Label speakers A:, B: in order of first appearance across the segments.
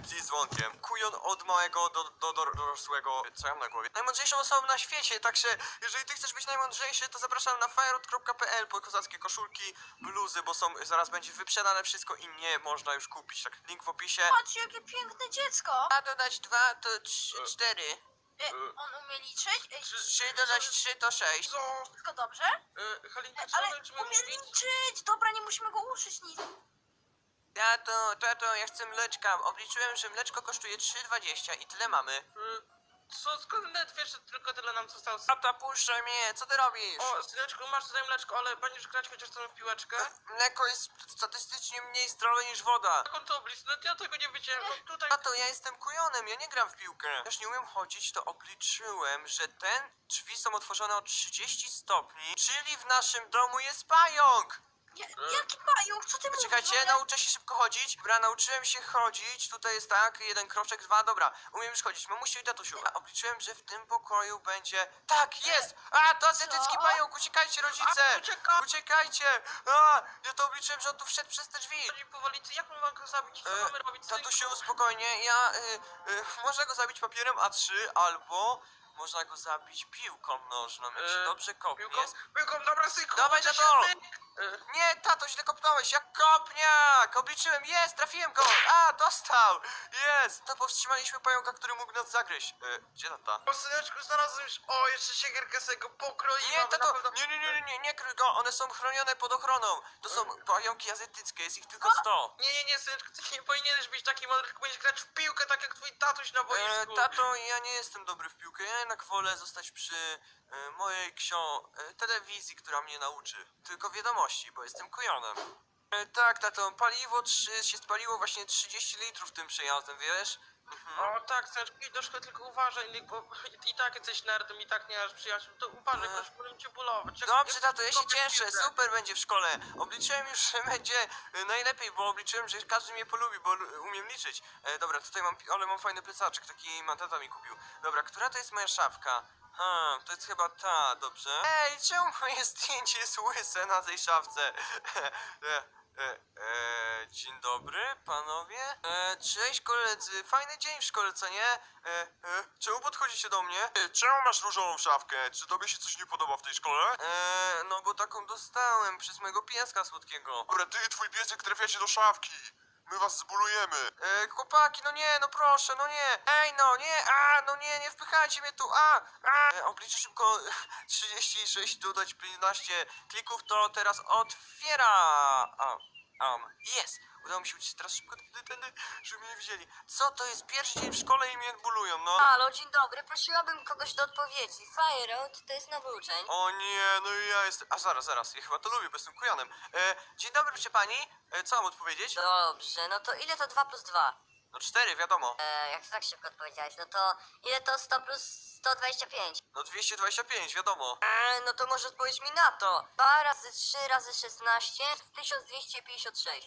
A: subskrypcji z dzwonkiem. Kujon od małego do dorosłego. Co ja mam na głowie? Najmądrzejszą osobą na świecie, także jeżeli ty chcesz być najmądrzejszy, to zapraszam na fireout.pl po kozackie koszulki, bluzy, bo zaraz będzie wyprzedane wszystko i nie można już kupić. Tak, link w opisie.
B: Patrz, jakie piękne dziecko!
A: A dodać 2 to 4.
B: On umie liczyć?
A: 3 dodać 3 to 6.
C: Co?
B: Wszystko dobrze?
C: Halinka, czy
B: Ale
C: możemy
B: umie
C: mówić?
B: liczyć! Dobra, nie musimy go uczyć nic.
A: Tato, ja chcę mleczka. Obliczyłem, że mleczko kosztuje 3,20 i tyle mamy.
C: Co, skąd nawet wiesz, że tylko tyle nam zostało?
A: Tata, puszczaj mnie, co ty robisz?
C: O, syneczku, masz tutaj mleczko, ale będziesz grać chociaż tam w piłeczkę?
A: Mleko jest statystycznie mniej zdrowe niż woda.
C: Jaką to oblicz? No ja tego nie wiedziałem, no tutaj...
A: Tato, ja jestem kujonem, ja nie gram w piłkę. Też nie umiem chodzić, to obliczyłem, że te drzwi są otworzone o 30 stopni, czyli w naszym domu jest pająk.
B: Jaki pająk? Co ty mówisz?
A: Czekajcie, nauczę się szybko chodzić. Dobra, nauczyłem się chodzić. Tutaj jest tak, 1 kroczek, 2, dobra. Umiem już chodzić. Mamusiu i tatusiu. Ja obliczyłem, że w tym pokoju będzie... Tak, jest! A, to azjatycki
B: Co?
A: pająk! Uciekajcie, rodzice!
C: A, ucieka!
A: Uciekajcie! A, ja to obliczyłem, że on tu wszedł przez te drzwi.
C: Chodzi powoli, jak my mamy go zabić? Co mamy robić?
A: Tatusiu, spokojnie. Można go zabić papierem A3 albo... Można go zabić piłką nożną, jak się dobrze kopnie.
C: Piłką, dobra, synku!
A: Dawaj,
C: uczę się,
A: tato!
C: syk.
A: Nie, tato, źle kopnąłeś, jak kopniak! Obliczyłem, jest, trafiłem go! A, dostał! Jest! To powstrzymaliśmy pająka, który mógł nas zagryźć. Gdzie tata?
C: O, syneczku, znalazłem już... O, jeszcze siekierkę sobie go pokroiłem.
A: Nie,
C: na
A: tato,
C: pewno-
A: nie kryj go, one są chronione pod ochroną. To są pająki azjatyckie, jest ich tylko 100.
C: Nie, syneczku, ty nie powinieneś być taki mądry, tylko powinieneś grać w piłkę, tak jak twój tatuś na boisku.
A: Tato, ja nie jestem dobry w piłkę, ja jednak wolę zostać przy mojej telewizji, która mnie nauczy. Tylko wiadomości, bo jestem kujonem. Tak, tato, się spaliło właśnie 30 litrów tym przejazdem, wiesz?
C: O tak, syneczku, idź do szkoły, tylko uważaj, Nick, bo i tak jesteś nerdem, i tak nie masz przyjaciół, to uważaj, proszę, będę cię bólować.
A: Dobrze, tato, ja się cieszę, super będzie w szkole. Obliczyłem już, że będzie najlepiej, bo obliczyłem, że każdy mnie polubi, bo umiem liczyć. Dobra, tutaj mam fajny plecaczek, taki tata mi kupił. Dobra, która to jest moja szafka? To jest chyba ta, dobrze. Ej, czemu moje zdjęcie jest łyse na tej szafce? Dzień dobry, panowie. Cześć koledzy, fajny dzień w szkole, co nie? Czemu podchodzicie do mnie? Czemu masz różową szafkę? Czy tobie się coś nie podoba w tej szkole? No bo taką dostałem przez mojego pieska słodkiego. Dobra, ty i twój piesek trafiacie do szafki. My was zbulujemy. Chłopaki, no nie, no proszę, no nie. Ej, no nie, no nie, nie wpychajcie mnie tu, Obliczę szybko 36, dodać 15 klików, to teraz otwiera. Jest! Udało mi się uciec teraz szybko tędy, żeby mnie nie widzieli. Co to jest pierwszy dzień w szkole i mnie bulują, no?
D: Halo, dzień dobry, prosiłabym kogoś do odpowiedzi. Fireout to jest nowy uczeń.
A: O nie, no i ja jestem... zaraz, ja chyba to lubię, bo jestem kujonem. Dzień dobry, proszę pani. Co mam odpowiedzieć?
D: Dobrze, no to ile to 2 plus 2?
A: No 4, wiadomo.
D: Jak to tak szybko odpowiedziałeś, no to ile to 100 plus 125?
A: No 225, wiadomo.
D: No to może odpowiedź mi na to. 2 razy 3 razy 16 to 1256.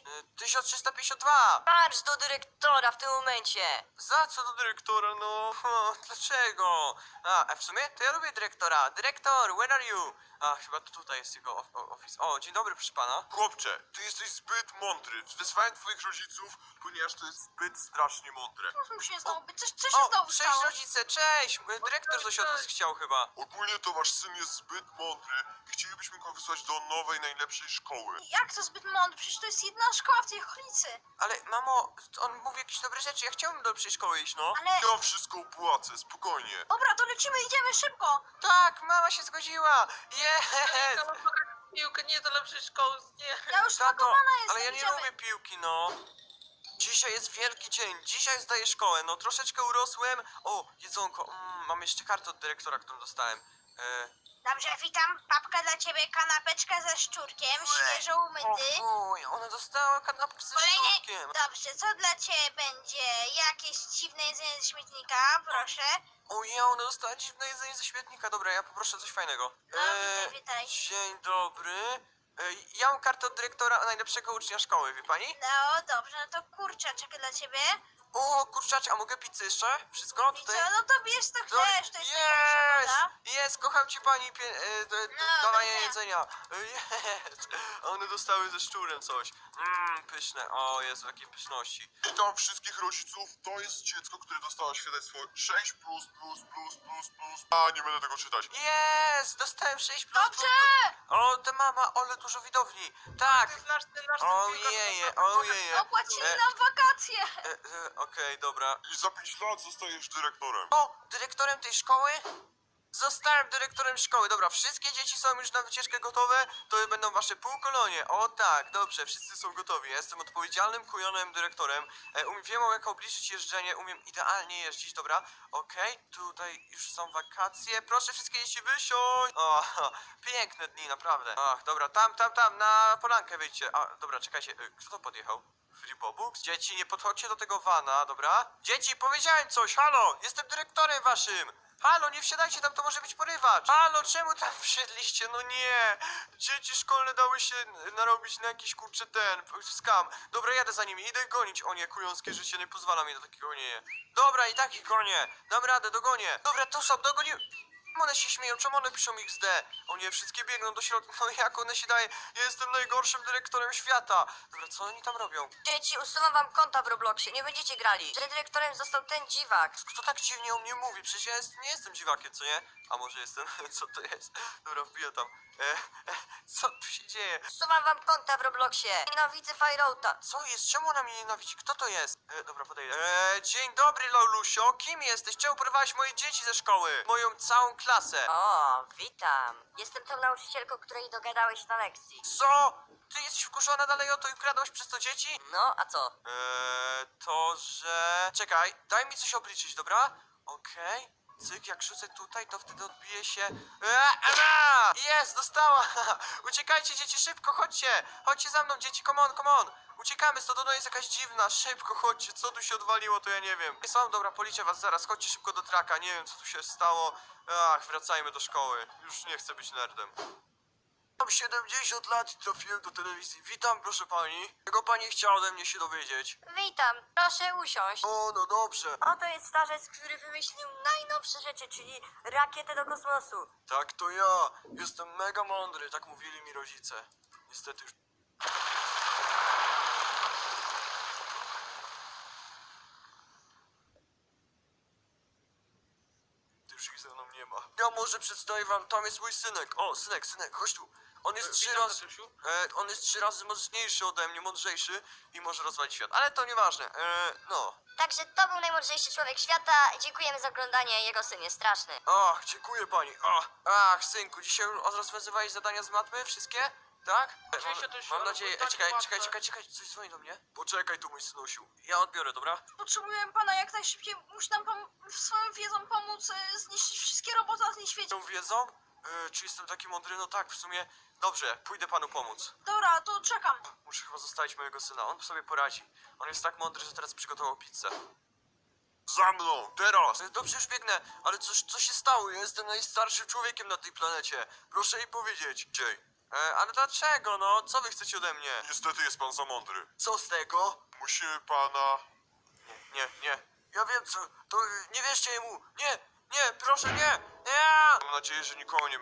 A: 1352!
D: Marsz do dyrektora w tym momencie.
A: Za co do dyrektora, no? Dlaczego? A w sumie to ja lubię dyrektora. Dyrektor, where are you? Chyba to tutaj jest jego office. O, dzień dobry, proszę pana. Chłopcze, ty jesteś zbyt mądry. Wezwałem twoich rodziców, ponieważ to jest zbyt strasznie mądre.
B: Co mu się stało? Co się znowu
A: Cześć
B: stało?
A: rodzice, cześć! Dyrektor coś od was chciał chyba.
E: Ogólnie to wasz syn jest zbyt mądry i chcielibyśmy go wysłać do nowej, najlepszej szkoły.
B: Jak to zbyt mądry? Przecież to jest jedna szkoła w tej okolicy.
A: Ale mamo, on mówi jakieś dobre rzeczy, ja chciałbym do lepszej szkoły iść, no.
B: Ale...
E: Ja wszystko opłacę, spokojnie.
B: Dobra, to lecimy, idziemy szybko.
A: Tak, mama się zgodziła! Jest!
C: Ja mam pograć w piłkę, nie do lepszej szkoły, nie.
B: Ja już
A: Tato,
B: spakowana jestem,
A: ale ja nie
B: idziemy.
A: lubię piłki, no. Dzisiaj jest wielki dzień, dzisiaj zdaję szkołę, no troszeczkę urosłem. O, jedzonko, mam jeszcze kartę od dyrektora, którą dostałem.
B: Dobrze, witam. Papka dla ciebie, kanapeczka ze szczurkiem, świeżo umyty.
A: Fuj, ona dostała kanapkę ze
B: Kolejny...
A: szczurkiem.
B: Dobrze, co dla ciebie będzie? Jakieś dziwne jedzenie ze śmietnika, proszę.
A: Ojej, ona dostała dziwne jedzenie ze śmietnika. Dobra, ja poproszę coś fajnego.
B: No, witaj.
A: Dzień dobry. Ja mam kartę od dyrektora najlepszego ucznia szkoły, wie pani?
B: No, dobrze, no to kurczaczek dla ciebie.
A: O, kurczacie, a mogę pizzę jeszcze? Wszystko
B: I co,
A: tutaj?
B: no to bierz to
A: No,
B: chcesz, to jest najlepsza
A: jest!
B: woda.
A: Jest, kocham cię pani
B: No,
A: dodanie
B: dobrze.
A: jedzenia. Jest! One dostały ze szczurem coś. Pyszne. O, jest takie pyszności.
E: Witam wszystkich rodziców. To jest dziecko, które dostało świadectwo 6++++++. A, nie będę tego czytać.
A: Jest! Dostałem 6 plus.
B: Dobrze!
A: O, te mama, ale dużo widowni. Tak!
C: Ten nasz
A: Ojeje, ojeje.
B: Opłacili nam wakacje.
A: Okej, dobra.
E: I za 5 lat zostajesz dyrektorem.
A: O, dyrektorem tej szkoły? Zostałem dyrektorem szkoły. Dobra, wszystkie dzieci są już na wycieczkę gotowe. To będą wasze półkolonie. O tak, dobrze, wszyscy są gotowi. Ja jestem odpowiedzialnym, kujonym dyrektorem. Wiem, jak obliczyć jeżdżenie. Umiem idealnie jeździć, dobra. Okej, tutaj już są wakacje. Proszę wszystkie dzieci wysiąść. O, piękne dni, naprawdę. Ach, dobra, tam, na polankę wyjdźcie. A, dobra, czekajcie, kto to podjechał? Flipobux? Dzieci, nie podchodźcie do tego vana, dobra? Dzieci, powiedziałem coś, halo! Jestem dyrektorem waszym! Halo, nie wsiadajcie tam, to może być porywacz! Halo, czemu tam wsiedliście? No nie! Dzieci szkolne dały się narobić na jakiś kurczę skam. Dobra, jadę za nimi, idę gonić. O nie, kująskie życie nie pozwala mi do takiego nie. Dobra, i tak ich gonię. Dam radę, dogonię. Dobra, tu są, dogonię. One się śmieją, czemu one piszą XD? O nie, wszystkie biegną do środka, no jak one się daje? Ja jestem najgorszym dyrektorem świata. Dobra, co oni tam robią?
D: Dzieci, usuwam wam konta w Robloxie, nie będziecie grali. Że dyrektorem został ten dziwak.
A: Kto tak dziwnie o mnie mówi? Przecież ja nie jestem dziwakiem, co nie? A może jestem? Co to jest? Dobra, wbiję tam. Co tu się dzieje?
D: Usuwam wam konta w Robloxie. Nienawidzę Fireouta.
A: Co jest? Czemu ona mnie nienawidzi? Kto to jest? Dobra, podejdę. Dzień dobry, Laulusio. Kim jesteś? Czemu porwałeś moje dzieci ze szkoły? Moją całą klasę.
D: O, witam. Jestem tą nauczycielką, której dogadałeś na lekcji.
A: Co? Ty jesteś wkurzona dalej o to i ukradłaś przez to dzieci?
D: No, a co?
A: To, że... Czekaj, daj mi coś obliczyć, dobra? Okej. Cyk, jak rzucę tutaj, to wtedy odbije się... Jest, dostała! Uciekajcie, dzieci, szybko, chodźcie! Chodźcie za mną, dzieci, come on! Uciekamy, stąd ona jest jakaś dziwna, szybko, chodźcie, co tu się odwaliło, to ja nie wiem. Są, dobra, policzę was zaraz, chodźcie szybko do traka, nie wiem, co tu się stało. Ach, wracajmy do szkoły, już nie chcę być nerdem. Mam 70 lat i trafiłem do telewizji. Witam, proszę pani. Czego pani chciała ode mnie się dowiedzieć?
D: Witam, proszę usiąść.
A: O, no dobrze.
D: Oto jest starzec, który wymyślił najnowsze rzeczy, czyli rakietę do kosmosu.
A: Tak, to ja. Jestem mega mądry, tak mówili mi rodzice. Niestety już... Już ich ze mną nie ma. Ja może przedstawię wam, tam jest mój synek. O, synek, chodź tu. On jest trzy
C: Witam,
A: razy...
C: tatusiu.
A: on jest 3 razy mocniejszy ode mnie, mądrzejszy i może rozwalić świat. Ale to nieważne. No.
D: Także to był najmądrzejszy człowiek świata. Dziękujemy za oglądanie, jego syn jest straszny.
A: Ach, dziękuję pani. Ach, synku, dzisiaj rozwiązywałeś zadania z matmy? Wszystkie? Tak?
C: Oczywiście, to już
A: Mam
C: ale
A: nadzieję.
C: tak
A: Czekaj,
C: łatwe.
A: coś dzwoni do mnie. Poczekaj tu, mój synusiu. Ja odbiorę, dobra?
B: Potrzebujemy pana jak najszybciej. Musi nam pan swoją wiedzą pomóc zniszczyć wszystkie roboty na tym świecie.
A: Tą wiedzą? Czy jestem taki mądry? No tak, w sumie. Dobrze, pójdę panu pomóc.
B: Dobra, to czekam.
A: Muszę chyba zostawić mojego syna, on sobie poradzi. On jest tak mądry, że teraz przygotował pizzę.
E: Za mną, teraz!
A: Dobrze, już biegnę, ale co się stało? Ja jestem najstarszym człowiekiem na tej planecie. Proszę jej powiedzieć. Jay. Ale dlaczego, no? Co wy chcecie ode mnie?
E: Niestety jest pan za mądry.
A: Co z tego?
E: Musimy pana...
A: Nie. Ja wiem co. To nie wierzcie mu. Nie, proszę, nie.
E: Mam nadzieję, że nikogo nie